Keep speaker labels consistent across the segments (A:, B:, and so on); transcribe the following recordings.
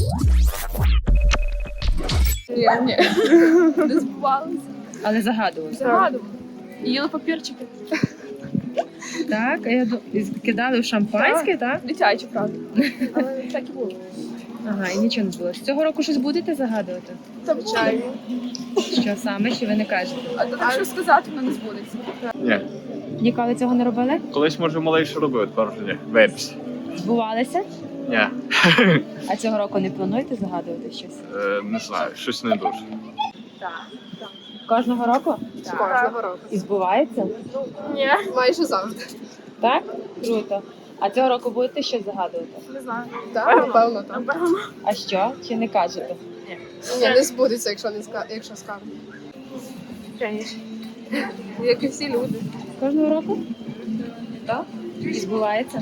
A: Ні. Не збувалося.
B: Але загадували.
A: Загадували. Їли папірчики.
B: Так, а я кидали в шампанське, так?
A: Дитячі, правда. Але так і було.
B: Ага, і нічого не збулося. Цього року щось будете загадувати?
A: Звичайно.
B: Що саме, чи ви не кажете?
A: А то так, що сказати, воно не збудеться.
C: Ні.
B: Ніколи цього не робили?
C: Колись, може, малейше робив, тепер вже ні. Вибач.
B: Збувалися?
C: Ні.
B: А цього року не плануєте загадувати щось?
C: Не знаю, щось не дуже.
B: Кожного року?
A: Кожного року.
B: І збувається?
A: Ні. Майже завжди.
B: Так? Круто. А цього року будете щось загадувати?
A: Не знаю. Так, напевно, так.
B: А що? Чи не кажете?
A: Ні, не збудеться, якщо скажу. Звісно. Як і всі люди.
B: Кожного року?
A: Так?
B: І збувається?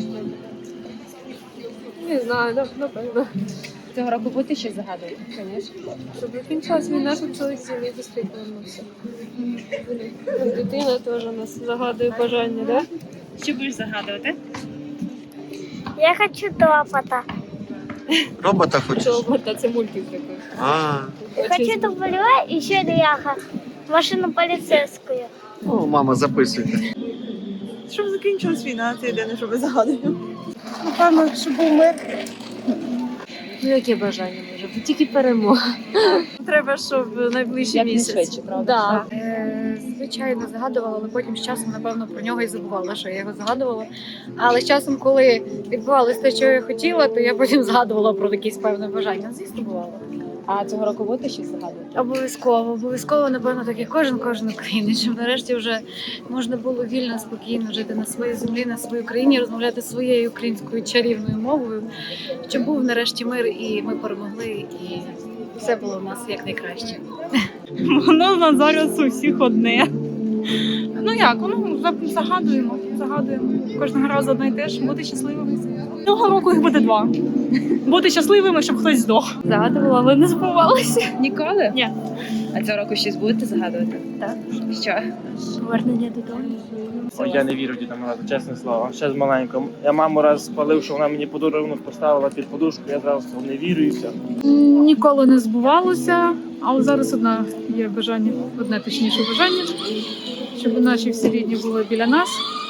A: Не знаю, напевно.
B: Цього року будете щось загадувати?
A: Звісно. Щоб закінчилась війна, щоб чоловік з землі швидко повернувся. Дитина теж у нас загадує бажання, так?
B: Що будеш загадувати?
D: Я хочу топота.
E: Робота хочеш?
A: Чобота, це мультик такий.
E: А,
D: Я хочу дублера и еще ляха. Машину полицейскую.
E: ну, мама, записуйте.
F: Щоб закінчилась війна, це єдине, що ми загадуємо. Напевно, щоб був мир.
A: Ну, яке бажання може бути? Тільки перемога.
F: Треба, щоб найближчий
B: Як
F: місяць.
B: не швидше, правда?
A: Так.
G: Звичайно, загадувала, але потім з часом, напевно, про нього і забувала, що я його загадувала. Але з часом, коли відбувалося те, що я хотіла, то я потім згадувала про якісь певне бажання. Звісно, бувало.
B: А цього року будете щось загадувати?
G: Обов'язково, напевно, так як кожен українець, щоб нарешті вже можна було вільно, спокійно жити на своїй землі, на своїй країні, розмовляти своєю українською чарівною мовою, щоб був нарешті мир, і ми перемогли, і все було в нас якнайкраще.
F: Воно на зараз у всіх одне. Ну як, загадуємо. Кожного разу одне і те ж, бути щасливими. Цього року їх буде 2. Бути щасливими, щоб хтось здох.
G: Загадувала, але не збувалося.
B: Ніколи?
F: Ні.
B: А цього року щось будете загадувати?
G: Так.
B: Що?
G: Повернення додому.
H: Ой, я не вірю Діда Морозу, чесне слово. Ще з маленького. Я маму раз спалив, що вона мені подарунок поставила під подушку, я зразу сказав, не вірю і все.
F: Ніколи не збувалося, але зараз є бажання, одне точніше бажання, щоб наші всі рідні були біля нас.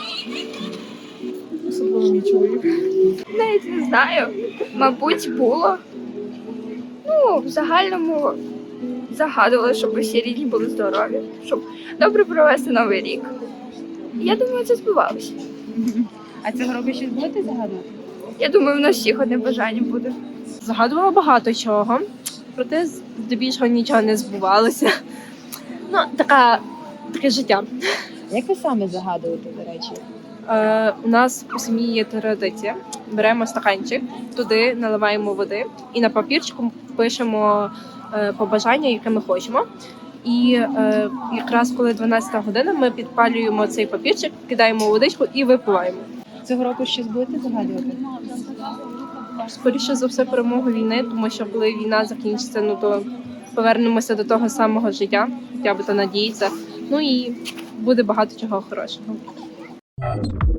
F: Особливо мій чоловік.
I: Навіть не знаю. Мабуть, було. Ну, в загальному загадували, щоб усі рідні були здорові, щоб добре провести Новий рік. Я думаю, це збувалося.
B: А цього року щось будете загадувати?
I: Я думаю, в нас всіх одне бажання буде.
A: Загадувала багато чого, проте здебільшого нічого не збувалося. Ну, таке життя.
B: Як ви саме загадуєте, до речі?
A: У нас у сім'ї є традиція. Беремо стаканчик, туди наливаємо води і на папірчику пишемо побажання, яке ми хочемо. І якраз коли 12 година, ми підпалюємо цей папірчик, кидаємо у водичку і випиваємо.
B: Цього року щось будете загадувати?
A: Скоріше за все перемогу війни, тому що коли війна закінчиться, ну то повернемося до того самого життя, хоча б то надіється. Ну і буде багато чого хорошого.